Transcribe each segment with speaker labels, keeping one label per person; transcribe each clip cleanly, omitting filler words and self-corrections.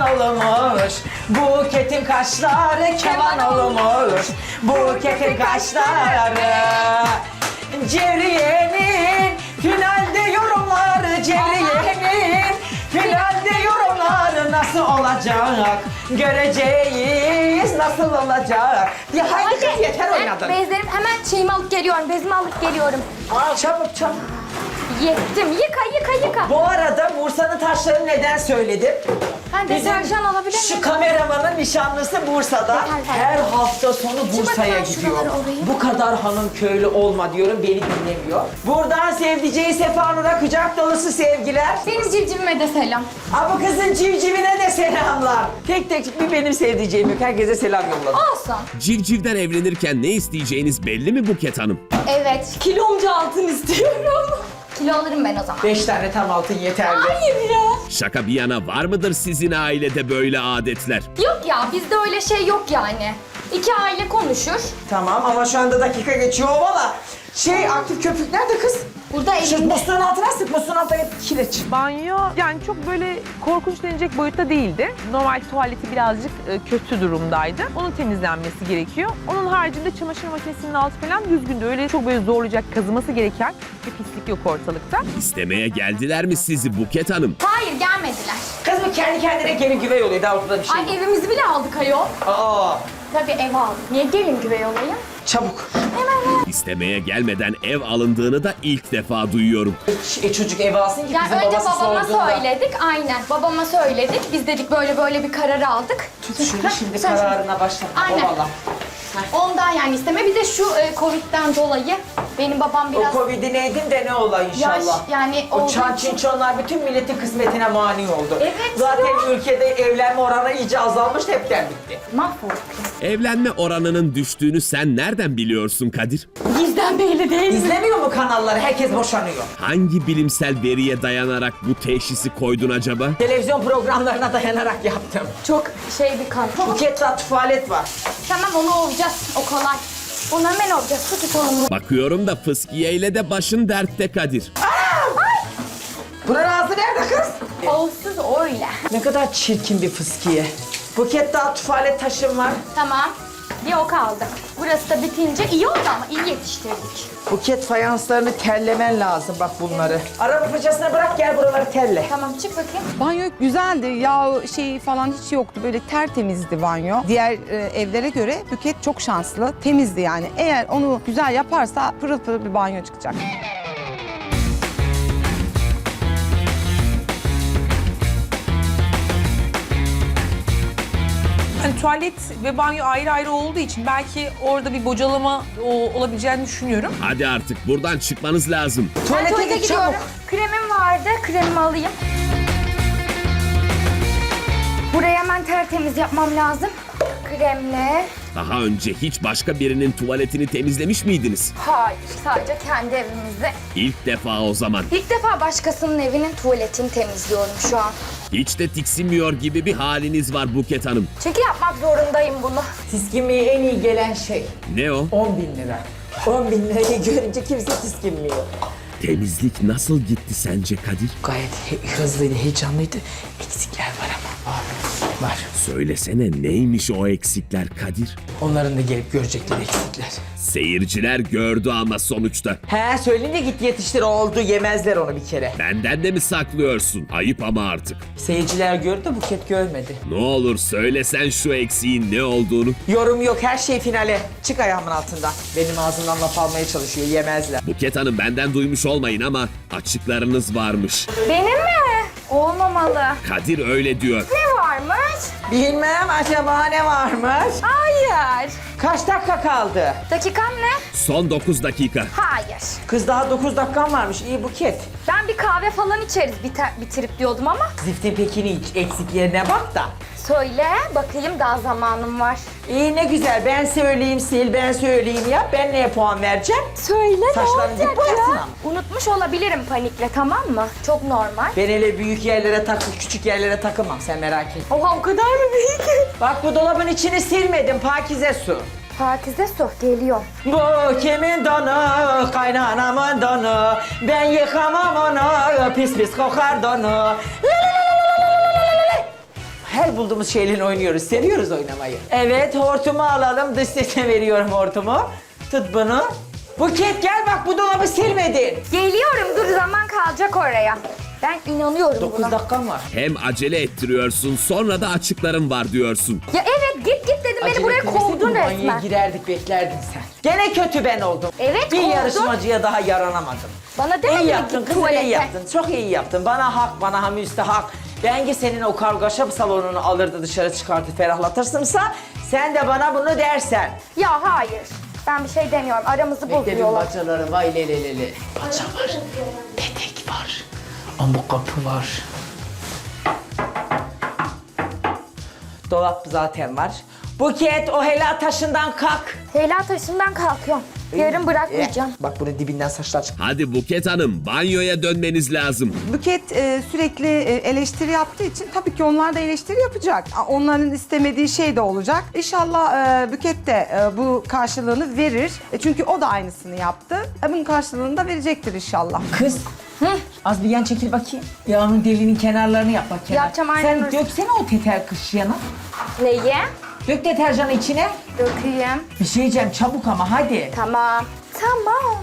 Speaker 1: olmuş. Buketin kaşları keman olmuş. Buketin kaşları. Cevriye'nin finalde yorumları, Cevriye'nin finalde yorumları nasıl olacak? Göreceğiz nasıl olacak? Ya haydi kız yeter oynadın.
Speaker 2: Bezlerim hemen şeyimi alıp geliyorum. Bezimi alıp geliyorum.
Speaker 1: Aa, çabuk çabuk.
Speaker 2: Yettim. Yıka.
Speaker 1: Bu arada Bursa'nın taşlarını neden söyledim?
Speaker 2: Ben deterjan alabilir miyim?
Speaker 1: Şu kameramanın nişanlısı Bursa'da.
Speaker 2: Yeter.
Speaker 1: Her hafta sonu Bursa'ya
Speaker 2: bakayım
Speaker 1: gidiyor.
Speaker 2: şuraları alayım.
Speaker 1: Bu kadar hanım köylü olma diyorum, beni dinlemiyor. Buradan sevdiceği Sefanur'a kucak dolusu sevgiler.
Speaker 2: Benim civcivime de selam.
Speaker 1: Aa, bu kızın civcivine de selamlar. Tek tek bir benim sevdiceğim yok. Herkese selam yolladım.
Speaker 2: Olsun.
Speaker 3: Civcivden evlenirken ne isteyeceğiniz belli mi Buket Hanım?
Speaker 2: Evet. Kilomca altın istiyorum. Kilo alırım ben o zaman.
Speaker 1: 5 tane tam altın yeterli.
Speaker 2: Hayır ya.
Speaker 3: Şaka bir yana var mıdır sizin ailede böyle adetler?
Speaker 2: Yok ya bizde öyle şey yok yani. İki aile konuşur.
Speaker 1: Tamam ama şu anda dakika geçiyor valla. Aktif köpük nerede kız?
Speaker 2: Burada
Speaker 1: Şu
Speaker 2: elimde.
Speaker 1: musluğun altına sık, musluğun altına kireç.
Speaker 4: Banyo yani çok böyle korkunç denecek boyutta değildi. Normal tuvaleti birazcık kötü durumdaydı. Onun temizlenmesi gerekiyor. Onun haricinde çamaşır makinesinin altı falan düzgündü. Öyle çok böyle zorlayacak, kazıması gereken bir pislik yok ortalıkta.
Speaker 3: İstemeye geldiler mi sizi Buket Hanım?
Speaker 2: Hayır gelmediler.
Speaker 1: Kız bu kendi kendine gelin güvey oluyor, daha ortada bir şey yok.
Speaker 2: Ay evimizi bile aldık ayol.
Speaker 1: Aa,
Speaker 2: Tabii ev aldık. Niye gelin güvey olayım?
Speaker 1: çabuk.
Speaker 3: İstemeye gelmeden ev alındığını da ilk defa duyuyorum.
Speaker 1: Çocuk ev alsın ki
Speaker 2: Yani
Speaker 1: bizim
Speaker 2: önce
Speaker 1: babası
Speaker 2: babama
Speaker 1: sorduğunda.
Speaker 2: söyledik. Aynen babama söyledik. Biz dedik böyle bir karar aldık.
Speaker 1: Tut şunu şimdi
Speaker 2: Sen-
Speaker 1: kararına başla.
Speaker 2: Aynen.
Speaker 1: O valla.
Speaker 2: Ondan yani isteme. Bir de şu Covid'den dolayı benim babam
Speaker 1: O
Speaker 2: biraz
Speaker 1: Covid'i neydin de ne ola inşallah.
Speaker 2: yani
Speaker 1: o
Speaker 2: olduğu
Speaker 1: çan
Speaker 2: için-
Speaker 1: çinçonlar bütün milletin kısmetine mani oldu.
Speaker 2: Evet
Speaker 1: Zaten
Speaker 2: ya.
Speaker 1: ülkede evlenme oranı iyice azalmış, hepten bitti.
Speaker 2: mahvolduk.
Speaker 3: Evlenme oranının düştüğünü sen nereden biliyorsun Kadir?
Speaker 2: Bizden belli değil mi?
Speaker 1: İzlemiyor mu kanalları? Herkes boşanıyor.
Speaker 3: Hangi bilimsel veriye dayanarak bu teşhisi koydun acaba?
Speaker 1: Televizyon programlarına dayanarak yaptım.
Speaker 2: Çok bir kan.
Speaker 1: Buket'te tuvalet var.
Speaker 2: Tamam onu olacağız. O kolay. Onu hemen olacağız. Tut onu.
Speaker 3: Bakıyorum da fıskiye ile de başın dertte Kadir.
Speaker 1: Bunun ağzı nerede kız?
Speaker 2: Olsuz öyle.
Speaker 1: Ne kadar çirkin bir fıskiye. Buket daha tuvalet taşım var.
Speaker 2: Tamam. Bir o kaldı. Burası da bitince iyi oldu ama iyi yetiştirdik.
Speaker 1: Buket fayanslarını terlemen lazım bak bunları. Araba fırçasına bırak gel buraları terle.
Speaker 2: Tamam çık bakayım.
Speaker 5: Banyo güzeldi. Yağ şeyi falan hiç yoktu. Böyle tertemizdi banyo. Diğer evlere göre Buket çok şanslı. Temizdi yani. Eğer onu güzel yaparsa pırıl pırıl bir banyo çıkacak.
Speaker 4: Hani tuvalet ve banyo ayrı ayrı olduğu için belki orada bir bocalama olabileceğini düşünüyorum.
Speaker 3: Hadi artık buradan çıkmanız lazım.
Speaker 2: Ben
Speaker 1: Tuvalete
Speaker 2: tuvalete
Speaker 1: git
Speaker 2: gidiyorum.
Speaker 1: çabuk.
Speaker 2: Kremim vardı. Kremimi alayım. Burayı hemen tertemiz yapmam lazım. Kremle.
Speaker 3: Daha önce hiç başka birinin tuvaletini temizlemiş miydiniz?
Speaker 2: Hayır, sadece kendi evimizde.
Speaker 3: İlk defa o zaman.
Speaker 2: İlk defa başkasının evinin tuvaletini temizliyorum şu an.
Speaker 3: Hiç de tiksinmiyor gibi bir haliniz var Buket Hanım.
Speaker 2: Çünkü yapmak zorundayım bunu.
Speaker 1: Tiskinmeye en iyi gelen şey
Speaker 3: Ne o?
Speaker 1: 10.000 lira. 10.000 lirayı görünce kimse tiskinmiyor.
Speaker 3: Temizlik nasıl gitti sence Kadir?
Speaker 1: Gayet hızlıydı, heyecanlıydı. Eksikler var ama. Var.
Speaker 3: Söylesene neymiş o eksikler Kadir?
Speaker 1: Onların da gelip görecekleri eksikler.
Speaker 3: Seyirciler gördü ama sonuçta.
Speaker 1: He söyleyince git yetiştir, oldu, yemezler onu bir kere.
Speaker 3: Benden de mi saklıyorsun? Ayıp ama artık.
Speaker 1: Seyirciler gördü de Buket görmedi.
Speaker 3: Ne olur söylesen şu eksiğin ne olduğunu.
Speaker 1: Yorum yok, her şey finale. Çık ayağımın altından. Benim ağzımdan laf almaya çalışıyor, yemezler.
Speaker 3: Buket Hanım benden duymuş olmayın ama açıklarınız varmış.
Speaker 2: Benim mi? Olmamalı.
Speaker 3: Kadir öyle diyor.
Speaker 2: Ne varmış?
Speaker 1: Bilmem acaba ne varmış?
Speaker 2: Hayır.
Speaker 1: Kaç dakika kaldı?
Speaker 2: Dakikam ne?
Speaker 3: Son 9 dakika.
Speaker 2: Hayır.
Speaker 1: Kız daha 9 dakikan varmış, iyi Buket.
Speaker 2: Ben bir kahve falan içeriz bitirip diyordum ama.
Speaker 1: Ziftin pekini iç, eksiklerine bak da.
Speaker 2: Söyle bakayım daha zamanım var.
Speaker 1: İyi ne güzel, ben söyleyeyim sil, ben söyleyeyim ya. Ben neye puan vereceğim?
Speaker 2: Söyle
Speaker 1: Saçlarını
Speaker 2: ne
Speaker 1: dik
Speaker 2: olacak
Speaker 1: boyasın
Speaker 2: ya?
Speaker 1: ama.
Speaker 2: Unutmuş olabilirim panikle tamam mı? Çok normal.
Speaker 1: Ben öyle büyük yerlere küçük yerlere takılmam, sen merak etme.
Speaker 2: Oha o kadar mı büyük?
Speaker 1: Bak bu dolabın içini silmedim, pakize su.
Speaker 2: Pakize su geliyor.
Speaker 1: Bu kimin donu, kaynanamın donu. Ben yıkamam onu, pis pis kokar donu. La la la la la la la la la. Her bulduğumuz şeyle oynuyoruz. Seviyoruz oynamayı. Evet, hortumu alalım. Dış sesine veriyorum hortumu. Tut bunu. Buket gel bak, bu dolabı silmedin.
Speaker 2: Geliyorum, dur, zaman kalacak oraya. Ben inanıyorum
Speaker 1: 9
Speaker 2: buna.
Speaker 1: dakikam var.
Speaker 3: Hem acele ettiriyorsun sonra da açıklarım var diyorsun.
Speaker 2: Ya evet, git dedim, beni
Speaker 1: Acele
Speaker 2: buraya
Speaker 1: etmeseydin
Speaker 2: kovdun
Speaker 1: banyoya
Speaker 2: resmen.
Speaker 1: girerdik, beklerdin sen. Gene kötü ben oldum.
Speaker 2: Evet,
Speaker 1: Bir
Speaker 2: kovdun.
Speaker 1: yarışmacıya daha yaranamadım.
Speaker 2: Bana demedin
Speaker 1: İyi
Speaker 2: mi
Speaker 1: yaptın
Speaker 2: git
Speaker 1: kızım, iyi
Speaker 2: tuvalete?
Speaker 1: yaptın. Çok iyi yaptın. Bana hak, bana müstehak. Bence senin o kargaşa salonunu alırdı dışarı çıkartıp ferahlatırsınsa sen de bana bunu dersen.
Speaker 2: Ya hayır, ben bir şey demiyorum. Aramızı
Speaker 1: Bekledim
Speaker 2: bozuyorlar.
Speaker 1: bacaları, vay lelelele. Baca var, petek var, ama kapı var. Dolap zaten var. Buket, o helal taşından kalk.
Speaker 2: Leyla taşından kalkıyorum. Yarın bırakmayacağım.
Speaker 1: Bak bunun dibinden saçlar çık.
Speaker 3: Hadi Buket Hanım banyoya dönmeniz lazım.
Speaker 5: Buket sürekli eleştiri yaptığı için tabii ki onlar da eleştiri yapacak. Onların istemediği şey de olacak. İnşallah Buket de bu karşılığını verir. Çünkü o da aynısını yaptı. Bunun karşılığını da verecektir inşallah.
Speaker 1: Kız, az bir yan çekil bakayım. Yağının deliğinin kenarlarını yap bak kenar.
Speaker 2: Yapacağım, aynen
Speaker 1: Sen
Speaker 2: öyle.
Speaker 1: döksene o teter kış yana.
Speaker 2: Neyi?
Speaker 1: Dök deterjanı içine.
Speaker 2: Dökeyim.
Speaker 1: Bir şey diyeceğim çabuk ama hadi.
Speaker 2: Tamam. Tamam.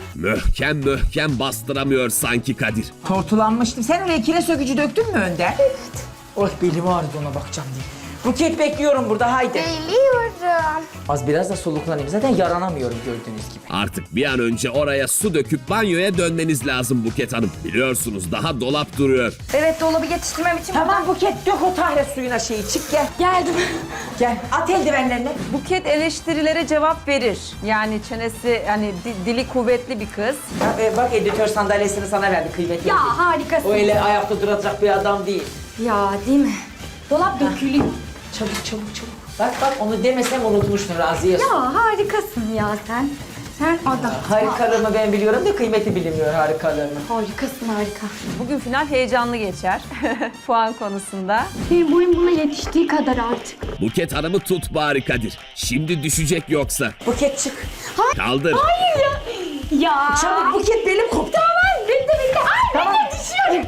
Speaker 3: Möhkem bastıramıyor sanki Kadir.
Speaker 1: Tortulanmıştım. Sen oraya kire sökücü döktün mü Önder?
Speaker 2: Evet.
Speaker 1: Oh belim ağrıdı, ona bakacağım diye. Buket bekliyorum burada, haydi.
Speaker 2: Geliyorum.
Speaker 1: Az biraz da soluklanayım. Zaten yaranamıyorum gördüğünüz gibi.
Speaker 3: Artık bir an önce oraya su döküp banyoya dönmeniz lazım Buket Hanım. Biliyorsunuz daha dolap duruyor.
Speaker 2: Evet, dolabı yetiştirmem için
Speaker 1: Tamam Buket, dök o tahre suyuna şeyi. Çık gel.
Speaker 2: geldim.
Speaker 1: Gel. At eldivenlerini.
Speaker 4: Buket eleştirilere cevap verir. Yani çenesi, hani dili kuvvetli bir kız.
Speaker 1: Bak editör sandalyesini sana verdi, kıymetli.
Speaker 2: Ya harikasın.
Speaker 1: O öyle ayakta duracak bir adam değil.
Speaker 2: Ya değil mi? Dolap dökülüyor.
Speaker 1: Çabuk çabuk çabuk. Bak bak, onu demesem unutmuştun Raziye.
Speaker 2: Ya harikasın ya sen. Sen adam.
Speaker 1: Harikalığımı ben biliyorum da kıymeti bilinmiyor harikalığımı.
Speaker 2: Harikasın, harika.
Speaker 4: Bugün final heyecanlı geçer puan konusunda.
Speaker 2: Benim boyum buna yetiştiği kadar artık.
Speaker 3: Buket Hanım'ı tut bari Kadir. Şimdi düşecek yoksa.
Speaker 1: Buket çık.
Speaker 3: Kaldır.
Speaker 2: Hayır ya. Ya.
Speaker 1: Çabuk Buket, belim koptu.
Speaker 2: Tamam, bitti. Ay,
Speaker 1: Tamam.
Speaker 2: ben de düşüyorum.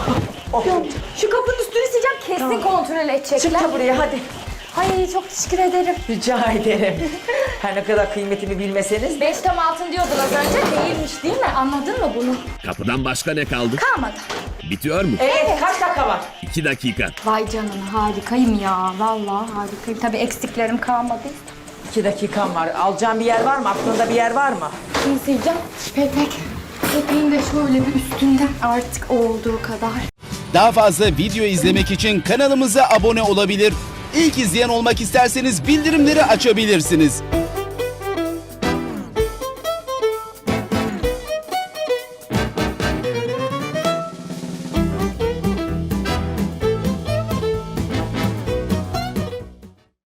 Speaker 1: Oh.
Speaker 2: Şu kapının üstünü sileceğim, kesin kontrol edecekler.
Speaker 1: Çık da buraya hadi.
Speaker 2: Ay, çok teşekkür ederim.
Speaker 1: Rica ederim. Her ne kadar kıymetimi bilmeseniz de.
Speaker 2: 5 tam altın diyordun az önce, değilmiş değil mi? Anladın mı bunu?
Speaker 3: Kapıdan başka ne kaldı?
Speaker 2: Kalmadı.
Speaker 3: Bitiyor mu?
Speaker 1: Evet, kaç dakika var?
Speaker 3: 2 dakika.
Speaker 2: Vay canına, harikayım ya. Vallahi harikayım. Tabii eksiklerim kalmadı.
Speaker 1: 2 dakikam var. Alacağım bir yer var mı? Aklında bir yer var mı?
Speaker 2: Şimdi sileceğim. Petek. Peteğin de şöyle bir üstünden artık olduğu kadar.
Speaker 6: Daha fazla video izlemek için kanalımıza abone olabilir. İlk izleyen olmak isterseniz bildirimleri açabilirsiniz.